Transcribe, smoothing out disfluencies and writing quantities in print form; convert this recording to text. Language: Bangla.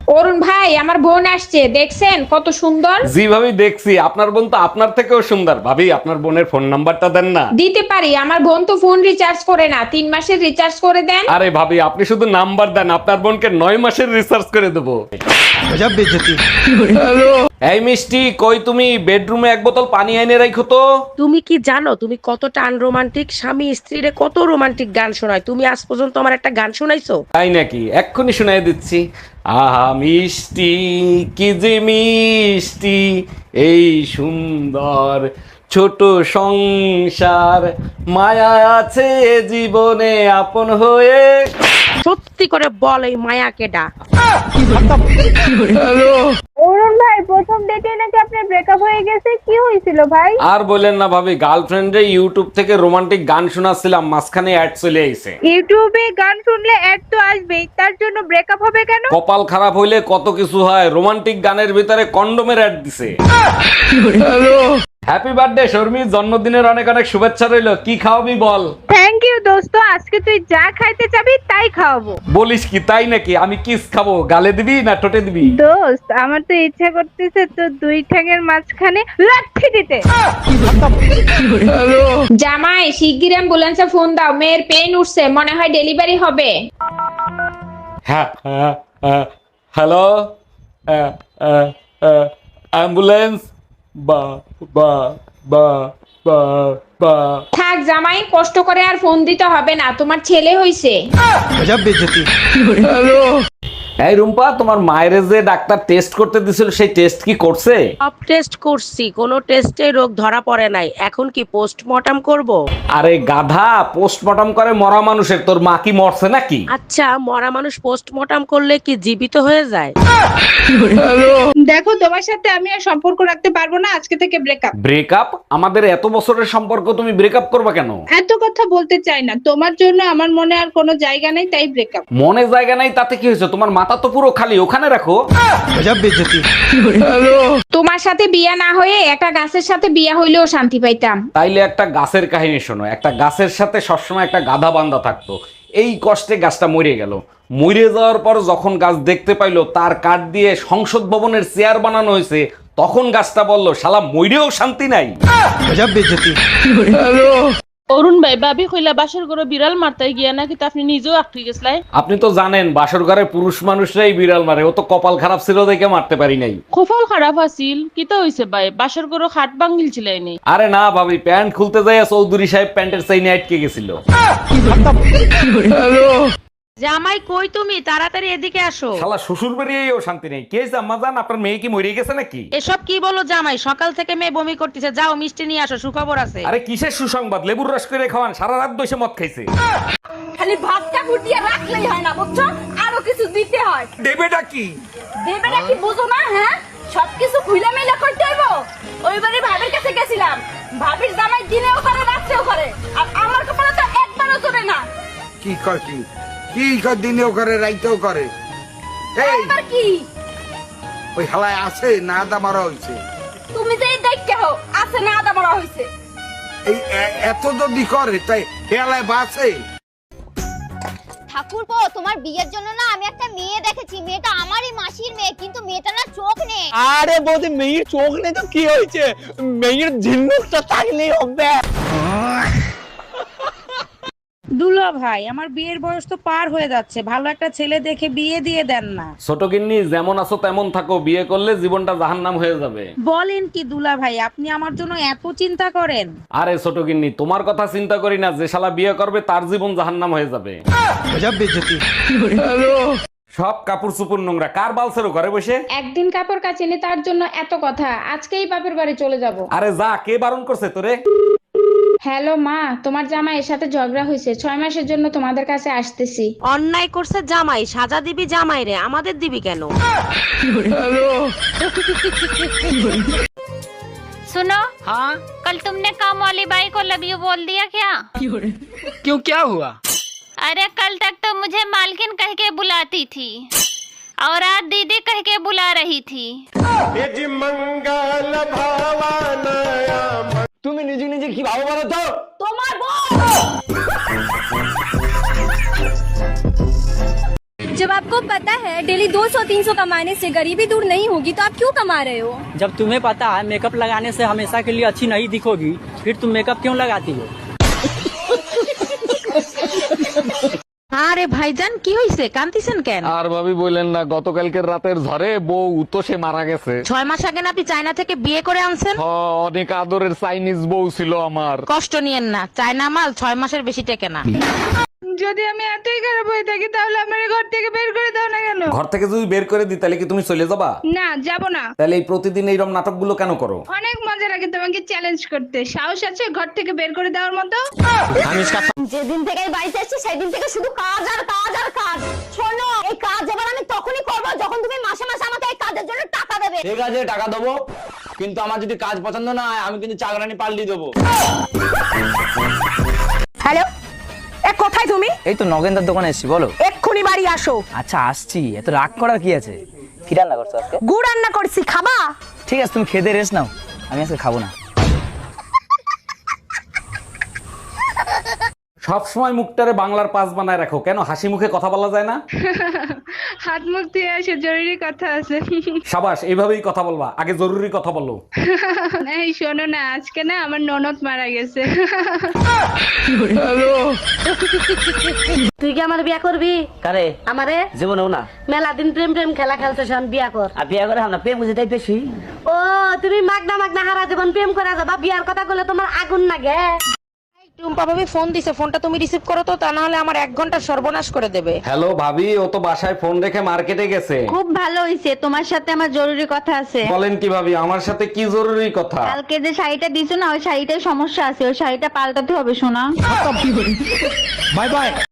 অরুণ ভাই, আমার বোন আসছে, দেখছেন কত সুন্দর? জি ভাবি দেখছি, আপনার বোন তো আপনার থেকেও সুন্দর। ভাবি আপনার বোনের ফোন নাম্বারটা দেন না। দিতে পারি, আমার বোন তো ফোন রিচার্জ করে না, 3 মাসের রিচার্জ করে দেন। আরে ভাবি আপনি শুধু নাম্বার দেন, আপনার বোনকে 9 মাসের রিসার্চ করে দেবো। এই মিষ্টি, কই তুমি? বেডরুমে এক বোতল পানি এনে রাখো তো। তুমি কি জানো তুমি কতটা আনরোমান্টিক? স্বামী স্ত্রীরে কত রোমান্টিক গান শোনায়, তুমি আজ পর্যন্ত আমার একটা গান শোনাইছো? তাই নাকি? এক্ষুনি শুনাই দিচ্ছি। আহা মিষ্টি, কি যে মিষ্টি এই সুন্দর ছোট সংসার, মায়া আছে জীবনে আপন হয়ে। সত্যি করে বল, এই মায়া কেডা? অরুণ ভাই, প্রথম ডেটে নাকি আপনার ব্রেকআপ হয়ে গেছে, কি হয়েছিল ভাই? আর বললেন না ভাবি, গার্লফ্রেন্ডে ইউটিউব থেকে রোমান্টিক গান শোনাচ্ছিলাম, মাঝখানে অ্যাড চলে আইছে। ইউটিউবে গান শুনলে অ্যাড তো আসবেই, তার জন্য ব্রেকআপ হবে কেন? কপাল খারাপ হইলে কত কিছু হয়, রোমান্টিক গানের ভিতরে কন্ডোমের অ্যাড দিছে। হ্যাপি বার্থডে শর্মি, জন্মদিনের অনেক অনেক শুভেচ্ছা রইলো। কি খাওয়াবি বল? থ্যাংক ইউ দোস্ত, আজকে তুই যা খাইতে চাবি তাই খাওয়াবো। বলিস কি, তাই নাকি? আমি কিস খাবো, গালে দিবি না ঠোঁটে দিবি? দোস্ত, আমার তো ইচ্ছা করতেছে তো দুই ঠ্যাঙের মাঝখানে লাঠি দিতে। জামাই, শিগগির অ্যাম্বুলেন্সে ফোন দাও, মেয়ের পেন উঠছে, মনে হয় ডেলিভারি হবে। হ্যাঁ, হ্যালো, অ্যাম্বুলেন্স। বা বা বা বা বা থাক জামাই, কষ্ট করে আর ফোন দিতে হবে না, তোমার ছেলে হইছে। এই রুম্পা, তোমার মায়ের যে ডাক্তার টেস্ট করতে দিছিল, সেই টেস্ট কি করছে? সব টেস্ট করছি, কোনো টেস্টে রোগ ধরা পড়ে নাই। এখন কি পোস্টমর্টম করব? আরে গাধা, পোস্টমর্টম করে মরা মানুষের, তোর মা কি মরছে নাকি? আচ্ছা, মরা মানুষ পোস্টমর্টম করলে কি জীবিত হয়ে যায়? দেখো, তোমার সাথে আমি আর সম্পর্ক রাখতে পারবো না, আজকে থেকে ব্রেকআপ। ব্রেকআপ? আমাদের এত বছরের সম্পর্ক, তুমি ব্রেকআপ করবা কেন? এত কথা বলতে চাই না, তোমার জন্য আমার মনে আর কোনো জায়গা নেই, তাই ব্রেকআপ। মনে জায়গা নাই তাতে কি হয়েছে? তোমার মাথা তো পুরো খালি, ওখানে রাখো। তোমার সাথে বিয়া না হয়ে একটা গাছের সাথে বিয়া হইলেও শান্তি পাইতাম। তাইলে একটা গাছের কাহিনী শোনো। একটা গাছের সাথে সবসময় একটা গাধা বান্ধা থাকতো। এই কষ্টে গাছটা মরে গেল। মরে যাওয়ার পর যখন গাছ দেখতে পাইলো তার কাঠ দিয়ে সংসদ ভবনের চেয়ার বানানো হয়েছে, তখন গাছটা বলল, শালা মইরেও শান্তি নাই। অরুণ ভাই, ভাবি কইলা বাসর ঘরে বিড়াল মারতে গিয়া নাকি তা আপনি নিজেও আটকে গেছলাই? আপনি তো জানেন বাসর ঘরে পুরুষ মানুষরাই বিড়াল মারে, ও তো কপাল খারাপ ছিল দেখে মারতে পারি নাই। খোফল খারাপ আছিল, কিতা হইছে ভাই? বাসর ঘরে খাট ভাঙিল ছিলাই নি? আরে না ভাবি, প্যান্ট খুলতে যাইয়া চৌধুরী সাহেব প্যান্টের চাইনে আটকে গেছিল। জামাই কই তুমি? তাড়াতাড়ি এদিকে আসো। শালা শ্বশুর বাড়িয়েও শান্তি নেই। কে আম্মা জান, আপনার মেয়ে কি মরে গেছে নাকি? এসব কি বলো জামাই? সকাল থেকে মেয়ে বমি করতেছে, যাও মিষ্টি নিয়ে আসো, সুখবর আছে। আরে কিসের সুসংবাদ? লেবুর রস করে খাওয়ান, সারা রাত বসে মদ খাইছে। খালি ভাতটা ফুটিয়ে রাখলেই হয় না, বুঝছো? আরো কিছু দিতে হয়। দেবেটা কি? দেবে নাকি বুঝো না? হ্যাঁ, সবকিছু খুইলা মেলা করতে হইব। ওইবারে ভাবির কাছে গেছিলাম, ভাবির জামাই দিনেও করে রাত্রেও করে, আর আমার কপালে তো একবারও চলে না। কি কয় কি? কি কয় দিনেও করে রাইতেও করে? এই একবার কি ওই হালায় আছে না আদা মারা হইছে? তুমি যে দেখতে হো আছে না আদা মরা হইছে? এই এত যদি করে তাই হেলায় বাঁচে? ঠাকুরপো, তোমার বিয়ের জন্য না আমি একটা মেয়ে দেখেছি। মেয়েটা আমারই মাসির মেয়ে, কিন্তু মেয়েটা না চোখ নেই। আরে বৌদি, মেয়ের চোখ নেই তো কি হয়েছে? মেয়ের ঝিনুকটা থাকলেই হবে। দুলা ভাই, আমার বিয়ের বয়স তো পার হয়ে যাচ্ছে, ভালো একটা ছেলে দেখে বিয়ে দিয়ে দেন না। ছোট গিন্নি, যেমন আছো তেমন থাকো, বিয়ে করলে জীবনটা জাহান্নাম হয়ে যাবে। বলেন কি দুলা ভাই, আপনি আমার জন্য এত চিন্তা করেন? আরে ছোট গিন্নি, তোমার কথা চিন্তা করি না, যে শালা বিয়ে করবে তার জীবন জাহান্নাম হয়ে যাবে। সব কাপড় চুপুর নোংরা, কার বালছেরও ঘরে বসে? একদিন কাপড় কাচিনি তার জন্য এত কথা, আজকেই বাপের বাড়ি চলে যাব। আরে যা, কে বারণ করছে তোরে? হ্যালো মা, তোমার জামাইয়ের সাথে ঝগড়া হয়েছে, 6 মাসের জন্য তোমাদের কাছে আসতেছি। অন্যায় করছে জামাই, সাজা দিবি জামাই রে, আমাদের দিবি কেন? सुनो, हाँ, कल तुमने काम वाली बाई को लव यू बोल दिया क्या? क्यों, क्या हुआ? अरे कल तक तो मुझे मालकिन कह के बुलाती थी और आज दीदी कह के बुला रही थी। তুমি নিজে নিজে কি ভাবো বলো তো? তোমার বউ जब आपको पता है डेली 200-300 कमाने से गरीबी दूर नहीं होगी तो आप क्यों कमा रहे हो? जब तुम्हें पता है मेकअप लगाने से हमेशा के लिए अच्छी नहीं दिखोगी, फिर तुम मेकअप क्यों लगाती हो? আরে ভাইজান কি হইছে কান্তিছেন কেন? আর ভাবি বললেন না, গতকালকের রাতের ঝড়ে বউ তো সে মারা গেছে। 6 মাস আগে না আপনি চায়না থেকে বিয়ে করে আনছেন? অনেক আদরের চাইনিজ বউ ছিল আমার। কষ্ট নিয়েন না, চায়না মাল 6 মাসের বেশি টেকে না। যদি আমি এতই খারাপ হয়ে থাকি তাহলে আমার ঘর থেকে বের করে দাও না কেন? ঘর থেকে যদি বের করে দিই তাহলে কি তুমি চলে যাবা? না, যাব না। তাহলে এই প্রতিদিন এইরকম নাটকগুলো কেন করো? অনেক মজা লাগে তোমাকে চ্যালেঞ্জ করতে। সাহস আছে ঘর থেকে বের করে দেওয়ার মতো? যেদিন থেকে এই বাড়িতে এসেছি সেদিন থেকে শুধু কাজ আর কাজ আর কাজ। শোনো, এই কাজ এবার আমি তখনই করব যখন তুমি মাসে মাসে আমাকে এই কাজের জন্য টাকা দেবে। ঠিক আছে টাকা দেবো, কিন্তু আমার যদি কাজ পছন্দ না হয় আমি কিন্তু চাকরানি পাল্টি দেবো। হ্যালো, এ কোথায় তুমি? এই তো নগেন্দার দোকানে এসেছি, বলো। এক্ষুনি বাড়ি আসো। আচ্ছা আসছি, এত রাগ করার কি আছে? কি রান্না করছো আজকে? গুড় রান্না করছি, খাবা? ঠিক আছে তুমি খেতে রেস্ট নাও, আমি আজকে খাবো না। সব সময় মুখটারে বাংলার পাস বানায় রাখো কেন? হাসি মুখে কথা বলা যায় না? হাত মুখ ধুয়ে আসে, জরুরি কথা আছে। সাবাস, এইভাবেই কথা বলবা, আগে জরুরি কথা বলো। এই শোনো না, আজকে না আমার ননদ মারা গেছে। তুই কি আমার বিয়া করবি? কারে? আমারে জীবনেও না। মেলা দিন প্রেম প্রেম খেলা খেলতেছ, আমি বিয়া কর। আর বিয়ে করে আমরা প্রেম বুঝেটাই বেশি। ও তুমি মাগনা মাগনা হারা জীবন প্রেম করে যাবা, বিয়ার কথা বলে তোমার আগুন লাগে। টুম্পা ভাবি ফোন দিছে, ফোনটা তুমি রিসিভ করো তো, তা না হলে আমার 1 ঘন্টা সর্বনাশ করে দেবে। হ্যালো ভাবি, ও তো বাসায় ফোন রেখে মার্কেটে গেছে। খুব ভালো হইছে, তোমার সাথে আমার জরুরি কথা আছে। বলেন কি ভাবি, আমার সাথে কি জরুরি কথা? কালকে যে শাড়িটা দিছো না, ওই শাড়িটার সমস্যা আছে, ওই শাড়িটা পাল্টাতে হবে সোনা। Bye by.